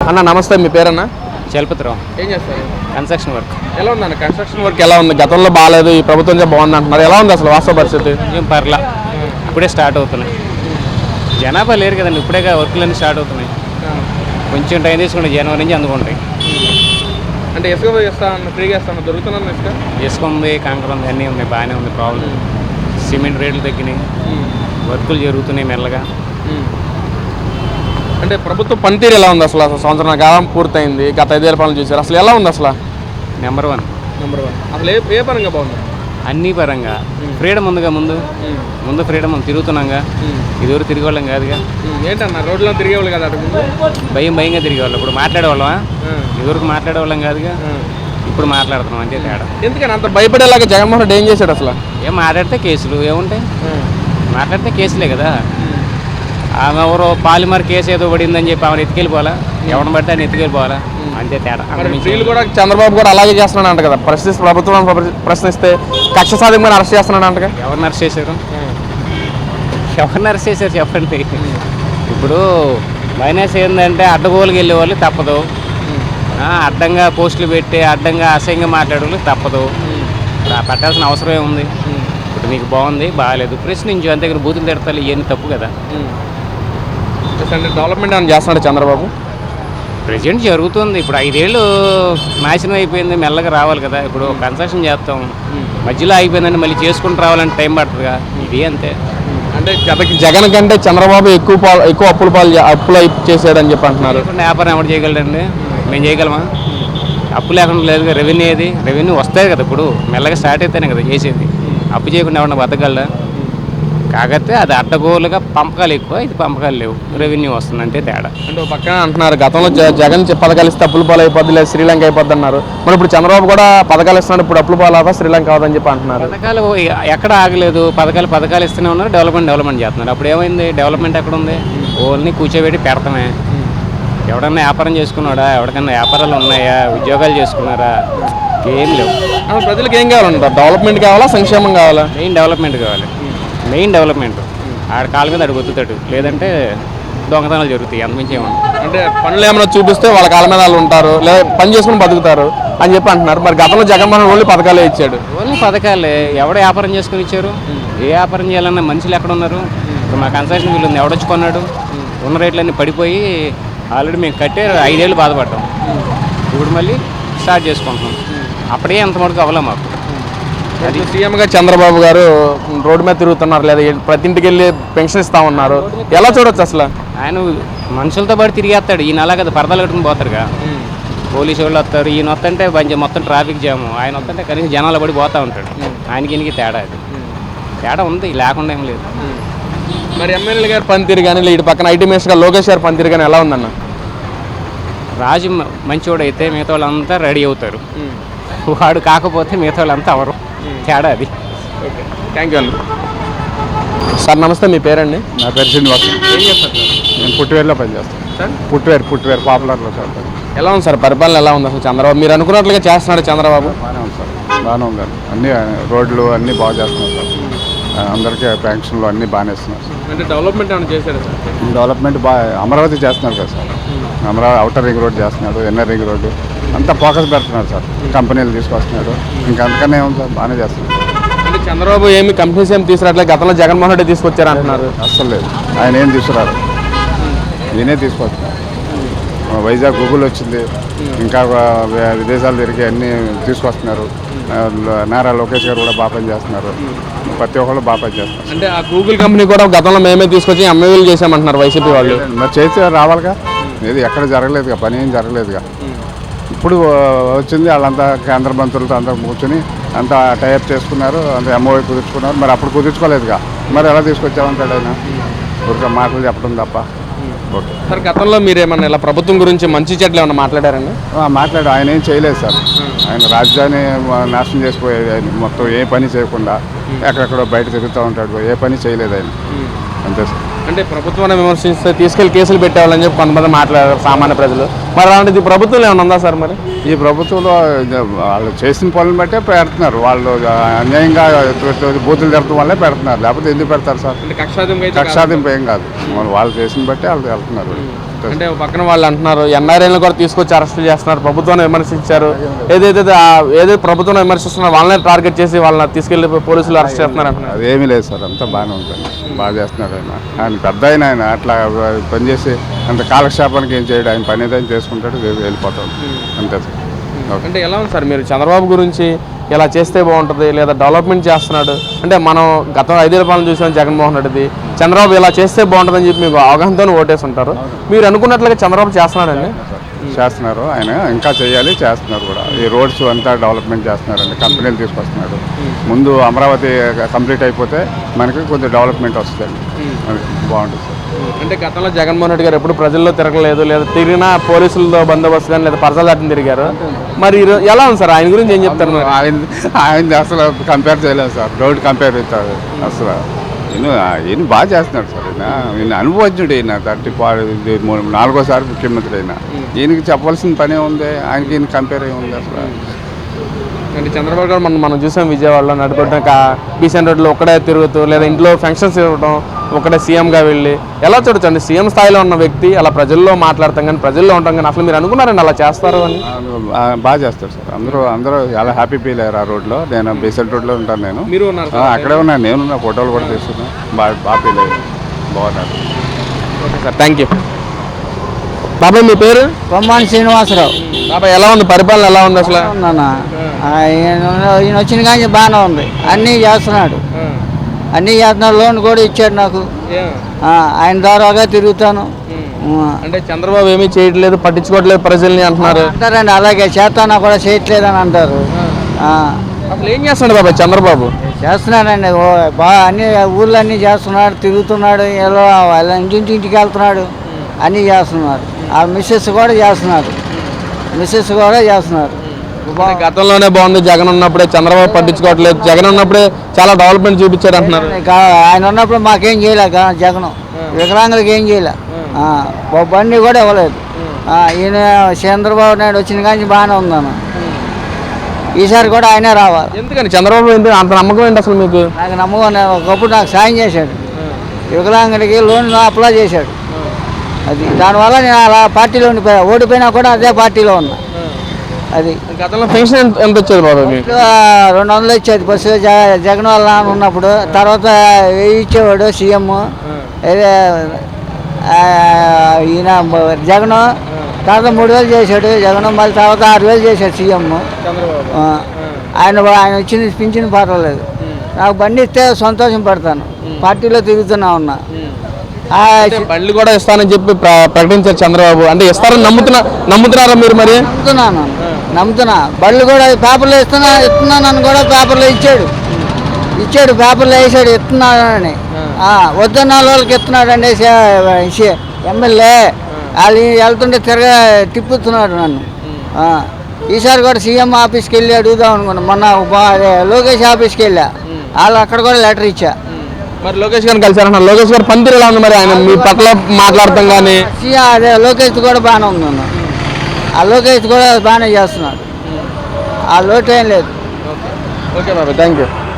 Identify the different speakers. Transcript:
Speaker 1: అన్న నమస్తే, మీ పేరన్నా?
Speaker 2: చలపతిరావు.
Speaker 1: ఏం చేస్తారు?
Speaker 2: Construction work.
Speaker 1: ఎలా ఉందన్న కన్స్ట్రక్షన్ వర్క్? ఎలా ఉంది? గతంలో బాగాలేదు, ఈ ప్రభుత్వం బాగుంది అంటున్నారు. ఎలా ఉంది అసలు వాస్తవ పరిస్థితి?
Speaker 2: కొంచెం పర్లా, ఇప్పుడే స్టార్ట్ అవుతున్నాయి. జనాభా లేరు కదండి, ఇప్పుడే వర్క్లన్నీ స్టార్ట్ అవుతున్నాయి. కొంచెం టైం తీసుకుంటే జనవరి నుంచి అందుకుంటాయి.
Speaker 1: అంటే ఇసుక ఇస్తాను, ఫ్రీగా ఇస్తాను, దొరుకుతున్నాను.
Speaker 2: ఇసుక ఉంది, కంకర ఉంది, అన్నీ ఉన్నాయి, బాగానే ఉంది. ప్రాబ్లం సిమెంట్ రేట్లు తగ్గినాయి, వర్కులు జరుగుతున్నాయి మెల్లగా.
Speaker 1: అంటే ప్రభుత్వ పనితీరు ఎలా ఉంది అసలు? సంవత్సరం కాలం పూర్తయింది, గత 5 ఏళ్ళ పాలన చూసారు, అసలు ఎలా ఉంది అసలు?
Speaker 2: Number one.
Speaker 1: అసలు ఏ పరంగా బాగుంది?
Speaker 2: అన్ని పరంగా ఫ్రీడమ్ ఉందిగా. ముందు ఫ్రీడమ్ ఉంది, తిరుగుతున్నాగా. ఇదివరకు తిరిగేవాళ్ళం కాదుగా.
Speaker 1: ఏంటన్నా రోడ్లో తిరిగేవాళ్ళు కదా?
Speaker 2: భయంగా తిరిగేవాళ్ళం. ఇప్పుడు మాట్లాడేవాళ్ళమా? ఇదివరకు మాట్లాడేవాళ్ళం కాదుగా, ఇప్పుడు మాట్లాడుతున్నాం, అంతే తేడా.
Speaker 1: ఎందుకని అంత భయపడేలాగా జగన్మోహన్ రెడ్డి ఏం చేశాడు అసలు?
Speaker 2: ఏం మాట్లాడితే కేసులు ఏముంటాయి? మాట్లాడితే కేసులే కదా. ఆమె ఎవరో పాలిమర్ కేసు ఏదో పడిందని చెప్పి ఆమెను ఎత్తుకెళ్ళిపోవాలా? ఎవరిని పడితే ఆయన ఎత్తుకెళ్ళిపోవాలా? అంతే తేడా.
Speaker 1: వీళ్ళు కూడా చంద్రబాబు కూడా అలాగే చేస్తున్నాడు అంట కదా, ప్రభుత్వం ప్రశ్నిస్తే కక్ష సాధింపుగా అరెస్ట్ చేస్తున్నాడు అంట.
Speaker 2: ఎవరిని అరెస్ట్ చేశారు? చెప్పండి. ఇప్పుడు మైనస్ ఏంటంటే అడ్డగోలుకి వెళ్ళే వాళ్ళు తప్పదు, అడ్డంగా పోస్టులు పెట్టి అడ్డంగా అసహ్యంగా మాట్లాడే వాళ్ళు తప్పదు. పెట్టాల్సిన అవసరం ఏముంది? ఇప్పుడు నీకు బాగుంది, బాగాలేదు, ప్రశ్నించు, అంతే. బూతులు తిడతారు, ఇవన్నీ తప్పు కదా.
Speaker 1: డెవలప్మెంట్ అని చేస్తున్నాడు చంద్రబాబు.
Speaker 2: ప్రెజెంట్ జరుగుతుంది. ఇప్పుడు 5 ఏళ్ళు నాశనం అయిపోయింది, మెల్లగా రావాలి కదా. ఇప్పుడు కన్స్ట్రక్షన్ చేస్తాం, మధ్యలో అయిపోయిందంటే మళ్ళీ చేసుకుంటూ రావాలంటే టైం పడుతుందిగా. ఇది అంతే.
Speaker 1: అంటే జగన్ కంటే చంద్రబాబు ఎక్కువ అప్పులు చేసాడని చెప్పి అంటున్నారు.
Speaker 2: వ్యాపారం ఎవరు చేయగలడండి? మేము చేయగలమా? అప్పు లేకుండా లేదు. రెవెన్యూ ఏది? రెవెన్యూ వస్తాయి కదా. ఇప్పుడు మెల్లగా స్టార్ట్ అయితేనే కదా చేసేది. అప్పు చేయకుండా ఎవరన్నా బతకగలరా? కాకపోతే అది అడ్డగోలుగా పంపకాలు ఎక్కువ, ఇది పంపకాలు లేవు, రెవెన్యూ వస్తుంది, అంటే తేడా.
Speaker 1: అంటే పక్కన అంటున్నారు గతంలో జగన్ పథకాలు ఇస్తే అప్పులు పాలు అయిపోద్ది, లేదు శ్రీలంక అయిపోద్ది అన్నారు. మరి ఇప్పుడు చంద్రబాబు కూడా పథకాలు ఇస్తున్నాడు, ఇప్పుడు అప్పులు పాలు అవుతా శ్రీలంక అవుదని చెప్పి అంటున్నారు.
Speaker 2: పథకాలు ఎక్కడ ఆగలేదు, పథకాలు ఇస్తూనే ఉన్నారు, డెవలప్మెంట్ చేస్తున్నారు. అప్పుడు ఏమైంది? డెవలప్మెంట్ ఎక్కడ ఉంది? ఓన్లీ కూర్చోబెట్టి పెడతామే. ఎవడన్నా వ్యాపారం చేసుకున్నాడా? ఎవరికన్నా వ్యాపారాలు ఉన్నాయా? ఉద్యోగాలు చేసుకున్నారా? ఏం లేవు.
Speaker 1: ప్రజలకు ఏం కావాలంటారు? డెవలప్మెంట్ కావాలా, సంక్షేమం కావాలా?
Speaker 2: మెయిన్ డెవలప్మెంట్ కావాలి. Main development. ఆడ కాళ్ళ మీద అడుగు గుర్తుతాడు, లేదంటే దొంగతనాలు జరుగుతాయి, అంతమించి ఏమన్నా.
Speaker 1: అంటే పనులు ఏమైనా చూపిస్తే వాళ్ళ కాళ్ళ మీద వాళ్ళు ఉంటారు, లేదా పని చేసుకుని బతుకుతారు అని చెప్పి అంటున్నారు. మరి గతంలో జగన్మోహన్ ఓన్లీ పథకాలే ఇచ్చాడు.
Speaker 2: ఓన్లీ పథకాలే. ఎవడ వ్యాపారం చేసుకుని ఇచ్చారు? ఏ వ్యాపారం చేయాలన్నా మనుషులు ఎక్కడ ఉన్నారు? ఇప్పుడు మా కన్స్ట్రక్షన్ బిల్లు ఉంది, ఎవడొచ్చి కొన్నాడు? ఉన్న రేట్లన్నీ పడిపోయి ఆల్రెడీ మేము కట్టే 5 ఏళ్ళు బాధపడ్డాం. ఇప్పుడు మళ్ళీ స్టార్ట్ చేసుకుంటున్నాం. అప్పుడే అంత మటుకు అవ్వలే మాకు.
Speaker 1: అది సీఎంగా చంద్రబాబు గారు రోడ్డు మీద తిరుగుతున్నారు, లేదా ప్రతి ఇంటికి వెళ్ళి పెన్షన్ ఇస్తా ఉన్నారు. ఎలా చూడొచ్చు అసలు?
Speaker 2: ఆయన మనుషులతో పాటు తిరిగేస్తాడు. ఈయన అలా కదా పరదాలు కట్టుకుని పోతారుగా. పోలీసు వాళ్ళు వస్తారు, ఈయన వస్తుంటే మొత్తం ట్రాఫిక్ జాము, ఆయన వస్తుంటే కనీసం జనాలు పడి పోతూ ఉంటాడు. ఆయనకి ఈయనకి తేడా, అది తేడా ఉంది, లేకుండా ఏం లేదు.
Speaker 1: మరి ఎమ్మెల్యే గారు పనితీరు కానీ, ఇటు పక్కన ఐటీ మినిస్టర్ గారు లోకేష్ గారు పనితీరు కానీ ఎలా ఉందన్న?
Speaker 2: రాజు మంచివాడు అయితే మిగతా వాళ్ళంతా రెడీ అవుతారు, వాడు కాకపోతే మిగతా వాళ్ళంతా అవరు. తేడా అది.
Speaker 1: ఓకే, థ్యాంక్ యూ అండి. సార్ నమస్తే, మీ పేరండి?
Speaker 3: నా పేరు శ్రీనివాసం.
Speaker 1: ఏం చేస్తారు సార్?
Speaker 3: నేను పుట్టివేరులో పనిచేస్తాను సార్. పుట్టివేరు పాపులర్లో సార్.
Speaker 1: ఎలా ఉంది సార్ పరిపాలన? ఎలా ఉంది అసలు చంద్రబాబు? మీరు అనుకున్నట్లుగా చేస్తున్నాడు చంద్రబాబు?
Speaker 3: బాగానే ఉంది సార్, బాగానే ఉంది. అన్ని రోడ్లు అన్నీ బాగా చేస్తున్నారు సార్. అందరికీ పెన్షన్లు అన్నీ బాగానే ఇస్తున్నారు సార్.
Speaker 1: అంటే డెవలప్మెంట్ ఏమైనా చేశారు సార్?
Speaker 3: డెవలప్మెంట్ బాగా అమరావతి చేస్తున్నారు కదా సార్. అమరావతి అవుటర్ రింగ్ రోడ్ చేస్తున్నాడు, ఇన్నర్ రింగ్ రోడ్డు అంతా ఫోకస్ పెడుతున్నారు సార్. కంపెనీలు తీసుకొస్తున్నాడు, ఇంకా అందుకనే ఏముంది సార్, బాగానే చేస్తున్నారు.
Speaker 1: అంటే చంద్రబాబు ఏమి కంపెనీస్ ఏమి తీసుకురావట్లేదు, గతంలో జగన్మోహన్ రెడ్డి తీసుకొచ్చారు అంటున్నారు.
Speaker 3: అస్సలు లేదు, ఆయన ఏం తీసుకురారు, నేనే తీసుకొస్తున్నాను. వైజాగ్ గూగుల్ వచ్చింది, ఇంకా విదేశాలు తిరిగి అన్నీ తీసుకొస్తున్నారు. నారా లోకేష్ గారు కూడా బాగా పని చేస్తున్నారు, ప్రతి ఒక్కళ్ళు బాగా పని చేస్తున్నారు.
Speaker 1: అంటే ఆ గూగుల్ కంపెనీ కూడా గతంలో మేమే తీసుకొచ్చి ఎంఏలు చేసామంటున్నారు వైసీపీ వాళ్ళు.
Speaker 3: మరి చేస్తే రావాలిగా, ఏది ఎక్కడ జరగలేదుగా, పని ఏం జరగలేదుగా. ఇప్పుడు వచ్చింది, వాళ్ళంతా కేంద్ర మంత్రులతో అందరూ కూర్చొని అంతా టైఅప్ చేసుకున్నారు, అంత ఎంఓఐ కుదుర్చుకున్నారు. మరి అప్పుడు కుదుర్చుకోలేదుగా, మరి ఎలా తీసుకొచ్చామంటాడు ఆయన? ఊరికే మాటలు చెప్పడం తప్ప. ఓకే
Speaker 1: సార్, గతంలో మీరు ఏమన్నా ఇలా ప్రభుత్వం గురించి మంచి చెట్లు ఏమన్నా మాట్లాడారండి?
Speaker 3: మాట్లాడు, ఆయన ఏం చేయలేదు సార్. ఆయన రాజధాని నాశనం చేసిపోయేది, ఆయన మొత్తం ఏ పని చేయకుండా ఎక్కడెక్కడో బయట తిరుగుతూ ఉంటాడు, ఏ పని చేయలేదు ఆయన, అంతే సార్.
Speaker 1: అంటే ప్రభుత్వాన్ని విమర్శిస్తే తీసుకెళ్లి కేసులు పెట్టేవాళ్ళని చెప్పి కొంతమంది మాట్లాడారు సామాన్య ప్రజలు. మరి అలాంటిది ప్రభుత్వంలో ఏమైనా ఉందా సార్? మరి
Speaker 3: ఈ ప్రభుత్వంలో వాళ్ళు చేసిన పనులు బట్టే పెడుతున్నారు. వాళ్ళు అన్యాయంగా బూతులు జరగడం వల్లే పెడుతున్నారు, లేకపోతే ఎందుకు పెడతారు సార్?
Speaker 1: కక్షాదింపు
Speaker 3: ఏం కాదు, వాళ్ళు చేసిన బట్టే వాళ్ళు వెళ్తున్నారు.
Speaker 1: అంటే పక్కన వాళ్ళు అంటున్నారు ఎన్ఆర్ఐలను కూడా తీసుకొచ్చి అరెస్ట్ చేస్తున్నారు, ప్రభుత్వాన్ని విమర్శించారు, ఏదైతే ప్రభుత్వం విమర్శిస్తున్నారో వాళ్ళని టార్గెట్ చేసి వాళ్ళని తీసుకెళ్లి పోలీసులు అరెస్ట్ చేస్తున్నారు అంటున్నారు.
Speaker 3: అదేమీ లేదు సార్, అంతా బాగానే ఉంటుంది, బాగా చేస్తున్నాడు ఆయన పెద్ద ఆయన అట్లా పనిచేసి అంత కాలక్షేపానికి ఏం చేయడు, ఆయన పని ఏదైనా చేసుకుంటాడు వెళ్ళిపోతాడు అంతే సార్.
Speaker 1: అంటే ఎలా ఉంది సార్ మీరు చంద్రబాబు గురించి ఇలా చేస్తే బాగుంటుంది లేదా డెవలప్మెంట్ చేస్తున్నాడు అంటే మనం గత 5 ఏళ్ల పాలన చూసాం జగన్మోహన్ రెడ్డిది, చంద్రబాబు ఇలా చేస్తే బాగుంటుందని చెప్పి మీకు అవగాహనతో ఓటేసి ఉంటారు, మీరు అనుకున్నట్లుగా చంద్రబాబు చేస్తున్నాడండి?
Speaker 3: చేస్తున్నారు, ఆయన ఇంకా చేయాలి, చేస్తున్నారు కూడా. ఈ రోడ్స్ అంతా డెవలప్మెంట్ చేస్తున్నారండి, కంపెనీలు తీసుకొస్తున్నాడు. ముందు అమరావతి కంప్లీట్ అయిపోతే మనకి కొంచెం డెవలప్మెంట్ వస్తుంది, అది బాగుంటుంది సార్.
Speaker 1: అంటే గతంలో జగన్మోహన్ రెడ్డి గారు ఎప్పుడు ప్రజల్లో తిరగలేదు, లేదా తిరిగినా పోలీసులతో బందోబస్తు కానీ లేదా పరసల దాటిని తిరిగారు, మరి ఎలా ఉంది సార్ ఆయన గురించి ఏం చెప్తారు?
Speaker 3: ఆయన అసలు కంపేర్ చేయలేదు సార్, రోడ్ కంపేర్ అవుతారు అసలు. ఈయన బాగా చేస్తున్నాడు సార్, ఈయన అనుభవజ్ఞుడు, ఈయన 4వ ముఖ్యమంత్రి అయినా. ఈయనకి చెప్పాల్సిన పనే ఉంది, ఆయనకి ఈయన కంపేర్ అయ్యి ఉంది అసలు.
Speaker 1: అంటే చంద్రబాబు గారు మనం చూసాం విజయవాడలో నడుపుకుంటాం బీసెన్ రోడ్లో ఒక్కడే తిరుగుతూ లేదా ఇంట్లో ఫంక్షన్స్ ఇవ్వడం ఒకటే సీఎంగా వెళ్ళి ఎలా చూడొచ్చండి? సీఎం స్థాయిలో ఉన్న వ్యక్తి అలా ప్రజల్లో మాట్లాడతాం కానీ ప్రజల్లో ఉంటాం కానీ అసలు మీరు అనుకున్నారండి అలా చేస్తారు అని?
Speaker 3: బాగా చేస్తారు సార్, అందరూ చాలా హ్యాపీ ఫీల్ అయ్యారు ఆ రోడ్లో. నేను బీసెంట్ రోడ్లో ఉంటాను, నేను
Speaker 1: మీరు ఉన్నారు
Speaker 3: అక్కడే ఉన్నాను, నేను ఫోటోలు కూడా తీసుకున్నాను, బాగా ఫీల్ అయ్యారు, బాగున్నారు.
Speaker 1: Okay sir, thank you. బాబాయ్ మీ పేరు?
Speaker 4: కొమ్మాని శ్రీనివాసరావు.
Speaker 1: బాబాయ్ ఎలా ఉంది పరిపాలన, ఎలా ఉంది అసలు?
Speaker 4: ఈయన వచ్చిన కానీ బాగానే ఉంది, అన్నీ చేస్తున్నాడు, అన్నీ చేస్తున్నాడు. లోన్ కూడా ఇచ్చాడు నాకు, ఆయన ద్వారాగా తిరుగుతాను.
Speaker 1: అంటే చంద్రబాబు ఏమీ చేయట్లేదు, పట్టించుకోవట్లేదు ప్రజల్ని అంటున్నారు.
Speaker 4: అంటారండి, అలాగే చేస్తానా కూడా చేయట్లేదని అంటారు.
Speaker 1: అసలు ఏం చేస్తున్నాడు బాబాయ్ చంద్రబాబు?
Speaker 4: చేస్తున్నాడండి, బాగా అన్ని ఊళ్ళన్నీ చేస్తున్నాడు, తిరుగుతున్నాడు, ఎలా వాళ్ళ ఇంటింటికి వెళ్తున్నాడు, అన్నీ చేస్తున్నారు. ఆ మిస్సెస్ కూడా చేస్తున్నారు.
Speaker 1: గతంలోనే బాగుంది, జగన్ ఉన్నప్పుడే చంద్రబాబు పట్టించుకోవట్లేదు, జగన్ ఉన్నప్పుడే చాలా డెవలప్మెంట్ చూపించాడు అంటున్నారు.
Speaker 4: ఆయన ఉన్నప్పుడు మాకేం చేయలేక జగన్ వికలాంగులకి ఏం చేయలే, బండి కూడా ఇవ్వలేదు. ఈయన చంద్రబాబు నాయుడు వచ్చిన కానీ బాగానే ఉందన్న, ఈసారి కూడా ఆయనే రావాలి.
Speaker 1: ఎందుకని చంద్రబాబు ఎందుకు అంత నమ్మకం ఏంటి అసలు మీకు?
Speaker 4: నాకు నమ్మకం, ఒకప్పుడు నాకు సాయం చేశాడు, వికలాంగులకి లోన్ అప్లై చేశాడు. అది దానివల్ల నేను అలా పార్టీలో ఉండిపోయా, ఓడిపోయినా కూడా అదే పార్టీలో ఉన్నా. అది
Speaker 1: గతంలో పెన్షన్ ఎంత వచ్చేది బాబు?
Speaker 4: 200 ఇచ్చేది బస్సు జగన్ వాళ్ళ నాన్న ఉన్నప్పుడు. తర్వాత 1000 ఇచ్చేవాడు సీఎం. ఈయన జగన్ తర్వాత 3000 చేశాడు జగన్, మళ్ళీ తర్వాత 6000 చేశాడు సీఎం. ఆయన వచ్చింది పింఛన్ పర్వాలేదు, నాకు బండి ఇస్తే సంతోషం పడతాను, పార్టీలో తిరుగుతున్నా ఉన్నా.
Speaker 1: బండ్లు కూడా ఇస్తానని చెప్పి ప్రకటించారు చంద్రబాబు, అంటే ఇస్తారని నమ్ముతున్నారా మీరు? మరి
Speaker 4: నమ్ముతున్నా, బళ్ళు కూడా పేపర్లో ఇస్తున్నానని కూడా పేపర్లో ఇచ్చాడు, పేపర్లో వేసాడు ఇస్తున్నాడని. వద్దన్న వాళ్ళకి ఇస్తున్నాడండి ఎమ్మెల్యే, వాళ్ళు వెళ్తుంటే తిప్పుతున్నాడు నన్ను. ఈసారి కూడా సీఎం ఆఫీస్కి వెళ్ళి అడుగుదాం అనుకున్నాను, మొన్న లోకేష్ ఆఫీస్కి వెళ్ళా, వాళ్ళు అక్కడ కూడా లెటర్ ఇచ్చా.
Speaker 1: మరి లోకేష్ గారిని కలిసారన్న, లోకేష్ గారు పనితీరు ఎలా ఉంది మరి? ఆయన మీ పట్ల మాట్లాడతాం కానీ
Speaker 4: అదే లోకేష్ కూడా బాగానే ఉందన్న, ఆ లోకేష్ కూడా బాగానే చేస్తున్నాడు, ఆ లోటు ఏం లేదు.
Speaker 1: ఓకే బాబా, థ్యాంక్ యూ.